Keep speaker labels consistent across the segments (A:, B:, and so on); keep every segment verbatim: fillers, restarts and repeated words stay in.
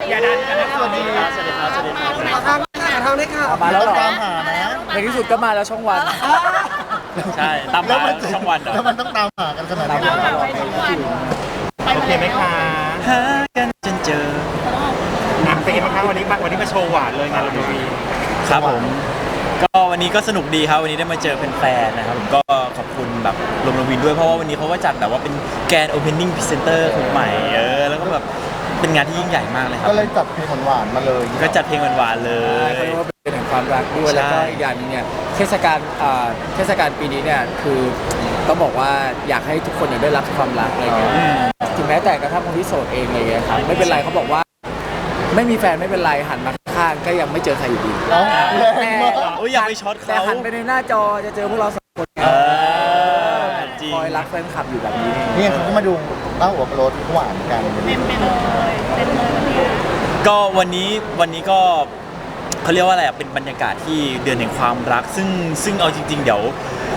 A: อย่าดันกันนะ
B: สวัสดีครับสวัสดีครับสวัสดีครับ
C: ทางทางได้ค่ะ
D: มาแล้วเหรอ
B: ตามหานะ
D: ในที่สุดก็มาแล้วช่องวัน
B: ใช่ตามหาช่องวันเหรอ
E: แล้วมันต้องตามหากันขนาดนี้
A: เราแบบไปทุกวันไป
E: โอเคไหมคะ
B: หากันจนเจอ
E: อ่ะเป็นไงบ้างคะวันนี้มาวันนี้มาโชว์หวานเลยงานลมวี
B: ครับผมก็วันนี้ก็สนุกดีครับวันนี้ได้มาเจอแฟนๆนะครับผมก็ขอบคุณแบบลมลวินด้วยเพราะว่าวันนี้เขาก็จัดแบบว่าเป็นแกรนด์โอเพนนิ่งพรีเซนเตอร์คนใหม่เออแล้วก็แบบเป็นงานที่ยิ่งใหญ่มากเลยครับ
E: ก็เลยจัดเพลงหวานๆมาเลย
B: ก็จัดเพลงหวานๆเล
D: เขา
B: ย
D: เรียกว่าเป็นแห่งความรักด้วย
B: ใช่
D: แล้วก็อีกอย่างหนึงเนี่ยเทศกาลอ่าเทศกาลปีนี้เนี่ยคือต้องบอกว่าอยากให้ทุกคนเนี่ยได้รับความรักอะไรเงี้ยถึงแม้แต่กระทั่งคนที่โสดเองอะไรเงี้ยครับไม่เป็นไรเขาบอกว่า ไม่มีแฟนไม่เป็นไรหันมาข้างๆก็ยังไม่เจอใครอยู่ดี
E: เอ้าแรงมาก
B: โอ้ยอย่าไปช็อต
D: แต่
B: เขา
D: หันไปในหน้าจอจะเจอพวกเราสองคนไง
B: เออจริง
D: คอยรักแฟนคลับอยู่แบบนี้
E: นี่เขาก็มาดูเต้าหัวโปรดหวานกัน
A: เต็มไปเลยเต็มเลยวันนี้
B: ก็วันนี้วันนี้ก็เขาเรียกว่าอะไรอ่ะเป็นบรรยากาศที่เดือนแห่งความรัก ซึ่งซึ่งเอาจริง ๆ เดี๋ยว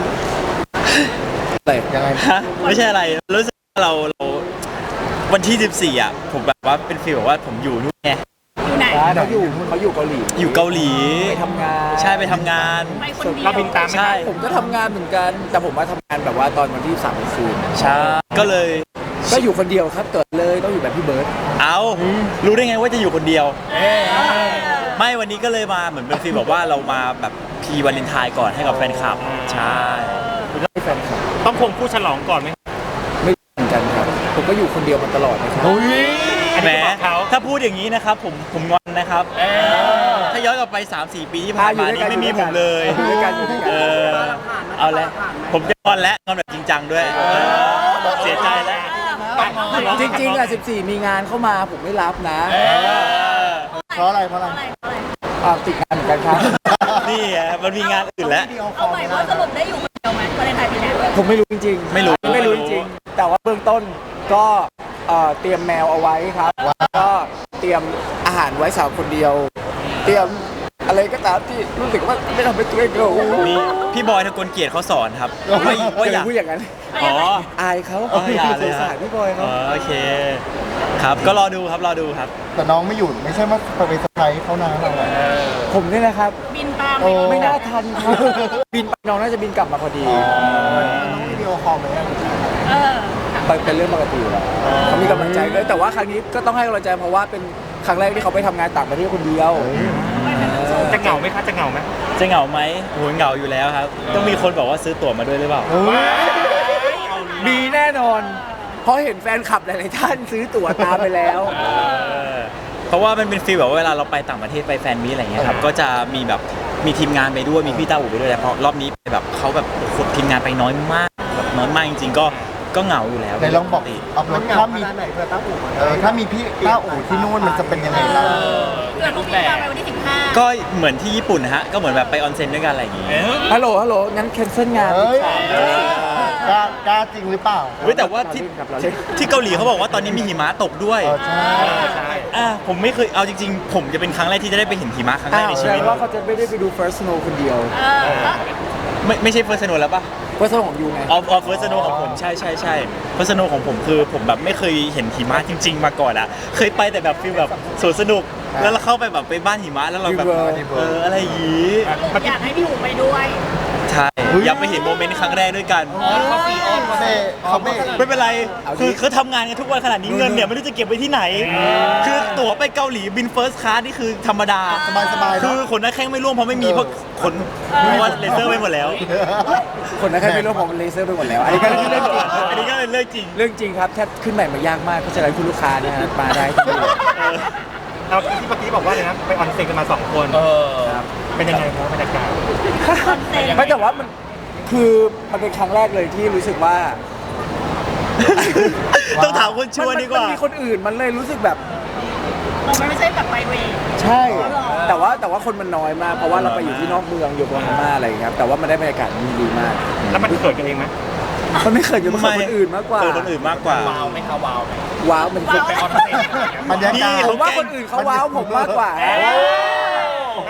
D: เลย
E: ยังไง
B: ฮะไม่ใช่อะไรรู้สึกว่าเราเราวันที่สิบสี่อ่ะผมแบบว่าเป็นฟีลแบบว่าผมอยู่นู่นไง
A: อยู่ไหน
D: เขาอยู่เขาอยู่เกาหลี
B: อยู่เกาหลี
D: ไปทำงาน
B: ใช่ไปทำงาน
A: ไปคนเดียว
E: เราบินตามไหม
B: ใช่
D: ผมก็ทำงานเหมือนกัน แต่ผมมาทำงานแบบว่าตอนวันที่สามคืน
B: ใช่ก็เลย
D: ก็อยู่คนเดียวครับเกิดเลยต้องอยู่แบบพี่เบิร์ด
B: เอารู้ได้ไงว่าจะอยู่คนเดียว ไม่วันนี้ก็เลยมาเหมือนเป็นฟีลแบบว่าเรามาแบบพีวาเลนไทน์ก่อนให้กับแฟนคลับใช่
D: ให้แฟนคลับ
E: ต้องคงผู้ฉลองก่อนไหม
D: ไม่เหมือนกันครับผมก็อยู่คนเดียวมาตลอดนะครับ
B: แหมถ้าพูดอย่างนี้นะครับผมผมงอนนะครับถ้าย้อนกลับไป สามสี่ ปีที่ผ่านมานี้ไม่มีผมเลย
D: อยู่ด้วยกันอยู่ด้วยกัน
B: เออเอาแล้วผมจะงอนแล้วงอนแบบจริงจังด้วยเออเสียใจแล้ว
D: จริงๆอ่ะสิบสี่มีงานเข้ามาผมไม่รับนะ
B: เออ
E: เพราะอะไรเพราะอะไร
A: อะไรอะไร
D: อ่าติดงานเหมือนกันครับ
B: นี่ไงมันมีงานอื่นแล้ว
A: เอาใหม่ว่าสรุปได้อยู่คนเดียวไหมวาเลนไทน์ปีนี้
D: ผมไม่รู้จริงๆ
B: ไม่รู้
D: ไม่รู้จริงๆแต่ว่าเบื้องต้นก็เอ่อเตรียมแมวเอาไว้ครับแล้วก็เตรียมอาหารไว้สาวคนเดียว เตรียมอะไรก็ตามที่รู้สึกว่าไม่ทำให้ตัวเองเหงา
B: มีพี่บอยทกลเกียรติเขาสอนครับว่าว่าอย่า
D: พูดอย่างนั้น
B: อ๋อ
D: อายเขา
B: อ๋ออย่าเลย
D: สงสารพี่บอยเขา
B: อ๋อโอเคครับก็รอดูครับรอดูครับ
E: แต่น้องไม่หยุดไม่ใช่ว่าไปเซอร์ไพรส์เขานะเราอะ
D: ผมเนี่ยนะครับ
A: บินตาม
E: โอ้
A: ไป
D: ไม่น่าทันครับบินไปน้องน่าจะบินกลับมาพอดี
E: น้องวิดีโอคอลไหม
A: เออ
D: ไปเป็นเรื่องปกติอยู่แล้วเขามีกำลังใจด้วยแต่ว่าครั้งนี้ก็ต้องให้กำลังใจเพราะว่าเป็นครั้งแรกที่เขาไปทำงานต่างประเทศคนเดียว
E: จะเหงาไหมคะจะเหงาไหม
B: จะเหงาไหมโหเหงาอยู่แล้วครับ ต้องมีคนบอกว่าซื้อตั๋วมาด้วยหรือเปล่า
D: มีแน่นอน เพราะเห็นแฟนคลับหลายๆท่านซื้อตั๋วตามไปแล้ว
B: เออเพราะว่ามันเป็นฟีลแบบว่าเวลาเราไปต่างประเทศไปแฟนมีตอะไรเงี้ยครับก็จะมีแบบมีทีมงานไปด้วยมีพี่ต้าอู่ไปด้วยแต่พอรอบนี้ไปแบบเขาแบบโอ้โหทีมงานไปน้อยมากแบบน้อยมากจริงๆก็ก็เหงาอยู่แล้ว
E: ไหนลองบอกอัพโหลดถ้ามีเออถ้ามีพี่ต้าอู่ที่นู่นมันจะเป็นยังไงล่ะ
A: เกิดลูกบินตามไปวันที่สิบห้า
B: ก็เหมือนที่ญี่ปุ่นนะฮะก็เหมือนแบบไปออนเซ็นด้วยกันอะไรอย่างงี้
D: ฮัลโหล ฮัลโหล งั้นแคนเซิลงาน
E: เฮ้ย
D: ดีกว่า
E: กล้ากล้าจริงหรือเปล่า
B: เฮ้ยแต่ว่าที่
D: ครับเราเล่น
B: ที่เกาหลีเขาบอกว่าตอนนี้มีหิมะตกด้วย
E: เออใช่ใช่
B: อ่าผมไม่เคยเอาจริงๆ ผมจะเป็นครั้งแรกที่จะได้ไปเห็นหิมะครั้งแร
D: อ้าก ว
B: ใน
D: แส
B: ชี
D: ด
B: วิ
D: ง
B: ต
D: ว่าเขาจะไม่ได้ไปดู First Snow คนเดียว
A: เออ
B: ไม่ไม่ใช่เฟิร์สโนแล้วปะ
D: First Snow ของยูไง
B: ออฟออฟเฟิร์สโนของผมใช่ใช่ใช่เฟิร์สโนของผมคือผมแบบไม่เคยเห็นหิมะจริง ๆ มาก่อนอ่ะเคยไปแต่แบบฟีลแบบสวนสนุกแล้วเราเข้าไปแบบไปบ้านหิมะแล้วเราแบบ
D: Dream World
B: เอออะไรอย่างงี้
A: อยากให้พี่อู๋ไปด้วย
B: ใช่อยากไปเห็นโมเมนต์ครั้งแรกด้วยกัน
E: เขาเบเขาเบ
B: ไม่เป็นไร
D: เอาดิ
B: คือเขาทำงานกันทุกวันขนาดนี้เงินเนี่ยไม่รู้จะเก็บไว้ที่ไหน คือตั๋วไปเกาหลีบินเฟิร์สคลาสนี่คือธรรมดา
E: สบายสบาย
B: คือขนหน้าแข้งไม่ร่วงเพราะไม่มีเพราะขนเพราะว่าเลเซอร์ไปหมดแล้ว
D: คนนั้นแค่ไม่รู้ผมเลเซอร์ไปหมดแล้ว อันนี้ก็เรื่องจริง
B: อันนี้ก็เป็นเรื่องจริง
D: เรื่องจริงครับแทบขึ้นใหม่มายากมาก เพราะฉะนั้นคุณลูกค้านะฮะมาได้ที่นี่
E: เราที่เมื่อกี้บอกว่าเลยนะไปออนเซ็นกันมาสองคน
D: ครับ
E: เป็นยังไงครับบรรยากาศ
D: ไม่แต่ว่ามันคือมันเป็นครั้งแรกเลยที่รู้สึกว่า
B: ต้องถามคนชวนดีกว่า
D: นมีคนอื่นมันเลยรู้สึกแบบ
A: เราไม่ใช่แบบไปเวย์
D: ใช่ แต่ว่าแต่ว่าคนมันน้อยมาก เพราะว่าเราไปอยู่ที่นอกเมืองอยู่โกฮาม่าอะไรอย่างเงี้ยครับแต่ว่ามันได้บรรยากาศมันดีมาก
E: แล้วมันเกิดกันเองไหม
D: มันไม่เคยอยู่กับคนอื่นมากกว่า
B: เออคนอื่นมากกว่า
D: ว้าวมันคือ
E: บรรยากาศ
B: พี่
D: ผมว่าคนอื่นเขาว้าวผมมากกว่า
E: มันเป็น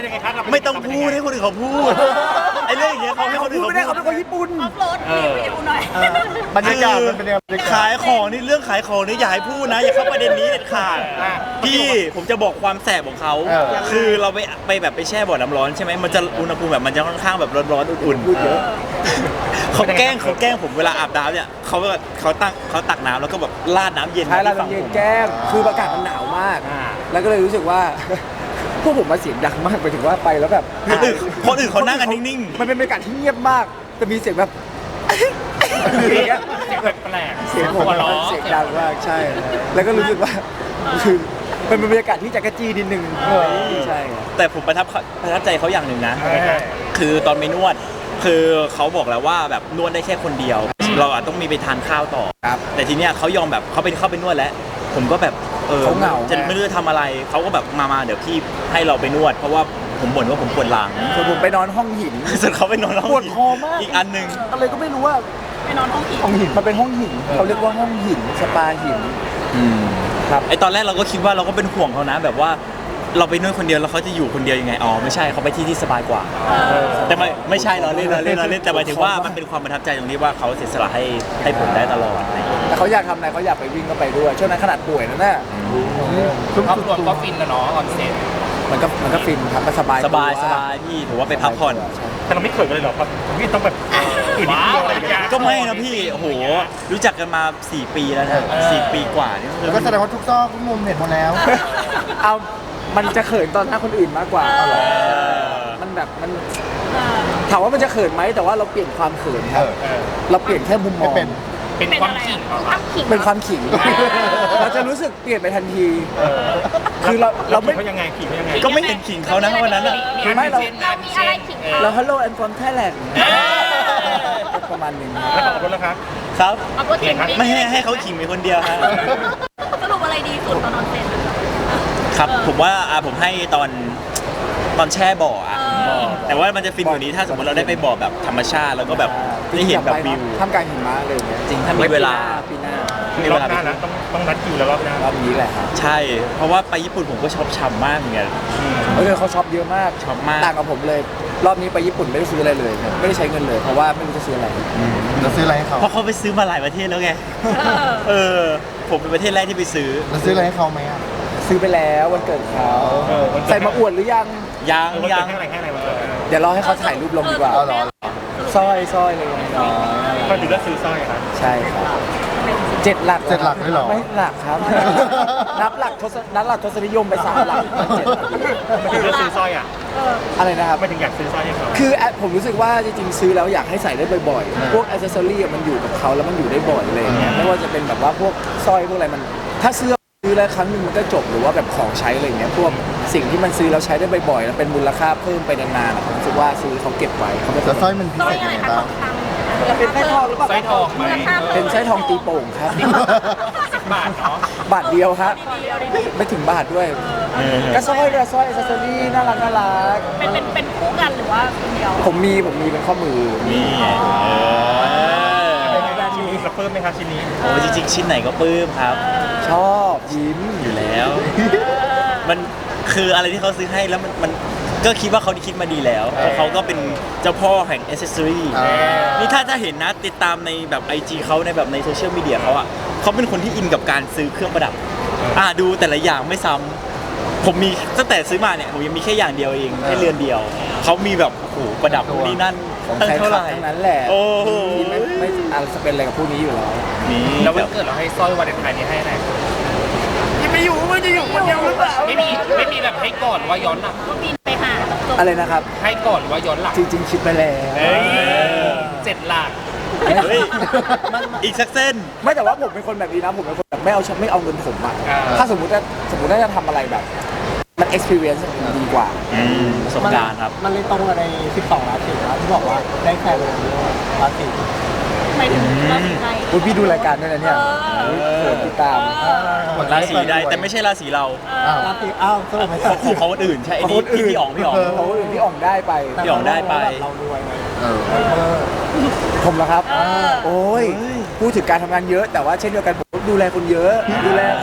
C: เป็นยังไงครับ
B: ไม่ต้องพูดให้คนอื่นเขาพูดไอ้เรื่องอย่างเงี้ยเขาให้
D: เขา
B: คนอื่
D: พู
B: น
D: ดไม่ได้
B: เขา
D: เขา
B: พู
D: เป็น
B: ด
D: คนญี่ปุ่น
A: ออฟโรดรีวิวหน่อย
E: บรรยากาศมันเป็นยังไงบรรยากาศ
B: ขายของนี่เรื่องขายของนี่อย่าให้พูดนะ อย่าเข้าประเด็นนี้เด็ดขาดพี่ผมจะบอกความแสบของเขา
E: เออ
B: คือเราไปไปแบบไปแช่บ่อน้ำร้อนใช่ไหมมันจะอุณหภูมิแบบมันจะค่อนข้างแบบร้อนๆอุ่นๆเยอะเขาแกล้งเขาแกล้งผมเวลาอาบน้ำเนี่ยเขาแบบเขาตั้งเขาตักน้ำแล้วก็แบบราดน้ำเย็น
D: ใช่เรา
B: ที่ฝั่ง
D: เย็
B: ผ
D: น
B: ม
D: แก้มคืออากาศมันหนาวมาก แล้วก็เลยรู้สึกว่า พวกผมมาเสียงดังมากไปถึงว่าไปแล้วแบบ
B: คนอื่นคนอื่นเขานั่งกันนิ่ง
D: มันเป็นบรรยากาศที่เงียบมากแต่มีเสียงแบบอย่างเงี้ย
C: เสียงแปลกๆ
D: เสียงผม
C: หัวเราะ
D: เสียงดังมากใช่ แล้วก็รู้สึกว่าคือมันเป็นบรรยากาศที่จักรจี้นิดนึงใช่ครับ
B: ๆแต่ผมประทับประทับใจเขาอย่างหนึ่งนะ
C: เออ
B: คือตอนไปนวด คือเขาบอกแล้วว่าแบบนวดได้แค่คนเดียว เราอาจต้องมีไปทานข้าวต่อ
D: ครับ
B: แต่ทีเนี้ยเขายอมแบบเขาเป็นเข้าไปนวดแล้ว ผมก็แบบเออ
D: เขาเหงา
B: จะไม่รู้จะทำอะไรเขาก็แบบมามาเดี๋ยวพี่ให้เราไปนวด เพราะว่าผมบ่นว่าผมปวดหลัง
D: ส่วนผมไปนอนห้องหิน
B: ส่วนเขาไปนอนห้อง
D: ปวดคอมาก
B: อีกอันหนึ่ง
D: อะไรก็ไม่รู้ว่า
A: ไปนอนห้องผี
D: ห้องหินมันเป็นห้องหินเขาเรียกว่าห้องหินสปาหินครับ
B: ไอตอนแรกเราก็คิดว่าเราก็เป็นห่วงเขานะ แบบว่าเราไปนวดคนเดียวแล้วเขาจะอยู่คนเดียวยังไงอ๋อไม่ใช่เขาไปที่ที่สบายกว่า แต่ไม่ไม่ใช่เราเล่นเราเล่นเราเล่นแต่หมายถึงว่ามันเป็นความประทับใจตรงที่ว่าเขาเสียสละให้ให้ผมได้ตลอดอะไรอย่างเงี้ย
D: แต่เขาอยากทำอะไรเขาอยากไปวิ่งก็ไปด้วยช่วงนั้นขนาดป่วยนั่นน่ะ
C: ครอบครัวก็ฟินแล้วเนาะออนเซ็น
D: มันก็มันก็ฟินครับมันสบาย
B: สบาย
D: ตัว
B: สบายพี่ถือว่าไปพักผ่อน
D: ใช่
C: แต่เราไม่เขินกันเลยเหรอครับพี่ต้องแบบอื่นนิดเดียวอะไรอย่างเงี้ย
B: ก็ไม่นะพี่โอ้โหรู้จักกันมาสี่ปีแล้วนะสี่ปีกว่านี่คือ
E: แล้วก็แสดงว่าทุกซอกทุกมุมเห็นหมดแล้ว
D: เอามันจะเขินตอนหน้าคนอื่นมากกว่า
B: เออ
D: มันแบบมันถามว่ามันจะเขินไหมแต่ว่าเราเปลี่ยนความเขินครับ
E: เออ
C: เออ
D: เราเปลี่ยนแค่มุมมอง
E: ไม่เป็น
C: เป็น
A: เป็น
C: ความ
A: อะไร
C: ขิง
A: อะ
C: เหรอ
A: ความขิง
D: เป็นความขิง เราจะรู้สึกเปลี่ยนไปทันที
C: เออ
D: คือเราเราไม่
C: เขายังไงขิงเขายังไง
B: ก็ไม่เห็นขิงเขานะวันนั้นอ่ะ
D: ไม่เรา
A: เรามีอะไรขิงเขา
D: เรา Hello and from Thailand ประมาณหนึง
C: แล้วขอบคุณแล้วครับ
B: ครับ
A: เอาก็ขิง
B: ไม่ให้ให้เขาขิงเป็นคนเดียวฮะ
A: สรุปอะไรดีสุดตอนนอนเซ็น
B: ครับผมว่าอ่ะผมให้ตอนตอนแช่บ่ออ่ะ
A: เออ
B: แต่ว่ามันจะฟินกว่านี้ถ้าสมมติเราได้ไปบ่อแบบธรรมชาติแล้วก็แบบได้เห็นแบบวิว
D: ท่ามกลางหิมะเลยเนี่ย
B: จริงถ้ามีเวลา
D: ปีหน้า
B: มี
C: ร
B: เว
C: อบ
B: ลา
C: ห
B: ไป
C: น้านะต้องต้องนัดคิวแล้วรอบหน้าร
D: อบนี้แหละครับ
B: ใช่ เพราะว่าไปญี่ปุ่นผมก็ชอบช้ำมากเหมือนกัน
D: เออเขาช็อปเยอะมาก
B: ช็อปมาก
D: ต่างกับผมเลย รอบนี้ไปญี่ปุ่นไม่ได้ซื้ออะไรเลยครับไม่ได้ใช้เงินเลยเพราะว่าไม่รู้จะซื้ออะไร
E: เราซื้ออะไรให้เขา
B: เพราะเขาไปซื้อมาหลายประเทศแล้วไง เออ ผมเป็นประเทศแรกที่ไปซื้อ
E: เราซื้ออะไรให้เขาไหมอ่ะ
D: ซื้อไปแล้ววันเกิดเขา
C: เออวันเกิด
D: ใส่มาอวดหรือยัง
B: ยัง
C: เออวัน
B: ยั
C: เกิด
B: ง
C: ให้อะไรให้อะไรวันเกิด
D: เดี๋ยวรอให้เขาถ่ายรูปลงดีกว่า
E: เอาเหรอ
D: สร้อยสร้อยเลยอ๋อ
C: ก็ดูแล้วซื้อสร้อยครับ
D: ใช่ครับเจ็ดหลัก
E: เจ็ดหลักเลยเหรอ
D: ไม่หลักครับ นับหลักทศนับหลักทศนิยมไปสามหลักเจ็ดหลัก
C: ไม่ถึงเลือกซื้อสร้อยอ่ะ
D: อะไรนะครับ
C: ไม่ถึงอยากซื้อสร้อยให้เขา
D: คือแอดผมรู้สึกว่าจริงๆซื้อแล้วอยากให้ใส่ได้บ่อยๆ พวกอ c เซสซอรี่มันอยู่กับเขาแล้วมันอยู่ได้บ่อยอะไรอย่างเงี้ยไม่ว่าจะเป็นแบบว่าพวกสร้อยพวกอะไรมัน ถ้าซื้อซื้อแล้วครั้งหนึ่งมันก็จบหรือว่าแบบของใช้อะไรอย่างเงี้ยพวกสิ่งที่มันซื้อแล้วใช้ได้บ่อยๆแล้วเป็นมูลค่าเพิ่มไปนานๆอะผมรู้สึกว่าซื้อเขาเก็บไว้เขาไม่
E: แล้วสร้อยมันพิ
A: สร้อ
E: เศ
A: ย
E: ษ
A: อะ
E: ยังไง
A: ไรคะ
E: บ้าง
A: ทองคำ
D: จะเป็นสร้อยทองหรือเปล่า
C: สร้อยทองไหม
D: เป็นสร้อยทองตีโป่งครับ
C: สิบบาทเนาะ
D: บาทเดียวครับ
A: ดีเอาดี
D: ไม่ถึงบาทด้วย
B: เออ
D: ก็สร้อยก็สร้อยอ c เซสซอรี่น่ารักน่ารัก
A: เป็นเป็นเป็นคู่กันหรือว่าคนเดียว
D: ผมมีผมมีเป็นข้อมือ
B: นี่ไงเออ
C: เป็นไงบ้างชิ้นนี้เราเพิ่มไหมครับชิ้นนี้
B: โอ้จริงๆ ชิ้นไหนก็ปลื้มครับ
D: ชอบยิ้ม
B: อยู่แล้ว มันคืออะไรที่เขาซื้อให้แล้วมันมันก็คิดว่าเขาคิดมาดีแล้วเพราะเขาก็เป็นเจ้าพ่อแห่งอ c เซสซอรี่
E: อ่า
B: นี่ถ้าถ้าเห็นนะติดตามในแบบ ไอ จี เขาในแบบในโซเชียลมีเดียเขาอ่ะเขาเป็นคนที่อินกับการซื้อเครื่องประดับ อ่าดูแต่ละอย่างไม่ซ้ำผมมีตั้งแต่ซื้อมาเนี่ยผมยังมีแค่อย่างเดียวเองแค่เรือนเดียว เขามีแบบโอ้โหประดับนู่นนี่นั่น
D: ของ
B: ตั้ง
D: แฟน
B: เท่า
D: ค
B: ไห
D: ลับ
B: ร่
D: ทั้งนั้นแหละ
B: โอ้โห
D: ไม่ไม่อาจจะเป็นอะไรกับพวกนี้อยู่แล้ว
B: นี่
C: แล้ววันเกิดเราให้สร้อยวาเลนไทน์นี้ให้อะไร
D: ไม่อยู่ไม่จะอยู่คนเดียวหรือเปล่า
C: ไม่มีไม่มีแบบให้ก่อนว่าย้อนหลัง
A: ก็บินไปหาจบ
D: อะไรนะครับ
C: ให้ก่อนว่าย้อนหลัง
D: จริงๆคิดไปแล้ว
C: เฮ้ยเจ็ดหลัก
B: เฮ้ยอีกสักเส้น
D: ไม่แต่ว่าผมเป็นคนแบบนี้นะผมเป็นคนแบบไม่เอาไม่เอาเงินผมอะ
C: อ่า
D: ถ้าสมมติว่าสมมติว่าจะทำอะไรแบบ มัน experience มันดีกว่า
B: อืมประสบการณ์ครับ
F: มันเลยตรงกับใน สิบสอง ราศีครับที่บอกว่าได้แฟนเป็นราศี
A: หมายถึงราศีใด
D: คุณพี่ดูรายการด้วยนะเนี่ย
A: เออ
D: เปิดติดตาม
B: ราศีใดแต่ไม่ใช่ราศีเรา
E: อ้าว
F: ราศีอ้าวสรุปไม่
B: ข
F: ใช่
B: องของของคนอื่นใช่ไอ้นี่
D: ของคนอื่น
B: พี่อ๋องพี่อ๋อง
D: เขาอื่นที่อ่องได้ไป
B: พี่อ๋องได้ไป
F: เรารวยไง
E: เออ
D: ผมเหรอครับ
A: เออ
D: โอ้ยพูดถึงการทำงานเยอะ แต่ว่าเช่นเดียวกันผมดูแลคนเยอะ ดูแลคนเฒ่าคน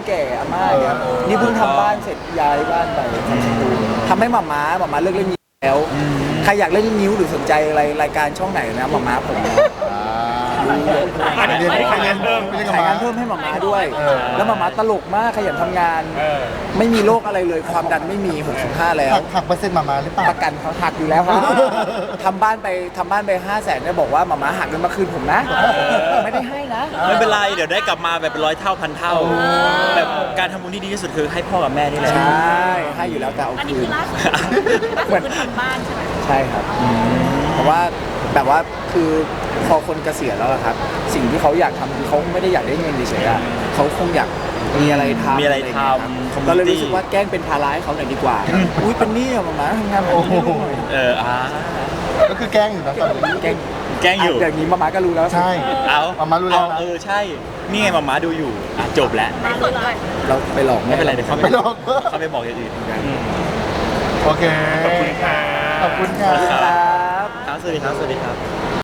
D: แก่อาม่าเนี่ยนี่เพิ่งทำบ้านเสร็จย้ายบ้านไปทำสตูทำให้หม่าม้าหม่าม้าเลิกเล่นนิ้วแล้วใครอยากเล่นนิ้วหรือสนใจอะไรรายการช่องไหนนะหม่าม้าผมนะ
C: อันนี้ใครเรียนเพิ่ม
E: ไม่ได้กับ
D: ขาย
E: ห
D: งานเพิ่มให้หม่าม้าด้วย แล้วหม่าม้าตลกมากขยันทำงาน
C: เออ
D: ไม่มีโรคอะไรเลยความดันไม่มีหกสิบห้าแล้ว
E: หักหักเปอร์เซ็นต์มามาหรือเปล่า
D: ประกันเขาหักอยู่แล้วครับทำบ้านไปทำบ้านไปห้าแสนเนี่ยบอกว่าหม่าม้าหักเงินมาคืนผมนะ ไม่ได้ให้นะ
B: ไม่เป็นไรเดี๋ยวได้กลับมาแบบเป็นร้อยเท่าพันเท่าแบบการทำบุญที่ดีที่สุดคือให้พ่อกับแม่นี่แหละ
D: ใช่ให้อยู่แล้วแต่เอา
A: อันนี้
D: คื
A: คื
D: น
A: อล่าสุดเหมือนทำบ้านใช่ไหม
D: ใช่ครับเพราะว่าแบบว่าคือพอคนเกษียณแล้วอะครับ สิ่งที่เขาอยากทำคือเขาไม่ได้อยากได้เงินเฉยๆอะเขาคงอยากมีอะไรทำ
B: มีอะไรทำ
D: ย่างเงี้ยครับ
B: community
D: ก็เลยรู้สึกว่าแกล้งเป็นภาระให้เขาหน่อยดีกว่าอุ้ยเป็นหนี้อะหมาทำงานแบบนี้ให้ลูกหน่อย
B: เอออ่า
E: ก็คือแกล้งอยู่นะตอนนี้
D: แกล้ง
B: แกล้งอยู่
D: ะอย่างนี้มาม่าก็รู้แล้ว
E: ใช่
B: เอา
E: มามารู้แล้ว
B: เอ
E: นะ
B: เออใช่ นี่ไงมาม่าดูอยู่อ่ะจบแล้ว
A: ล่าสุดเลย
D: เราไปหลอก
B: ไม่เป็นไรเดี๋ยวเขา
E: ไม่หรอก
B: เขาไปบอกอย่างอื่น
E: โอเค
C: ขอบคุณค่ะ
E: ขอบคุณค่ะ
D: ครับ
B: ครับสวัสดีครับ สวัสดีครับ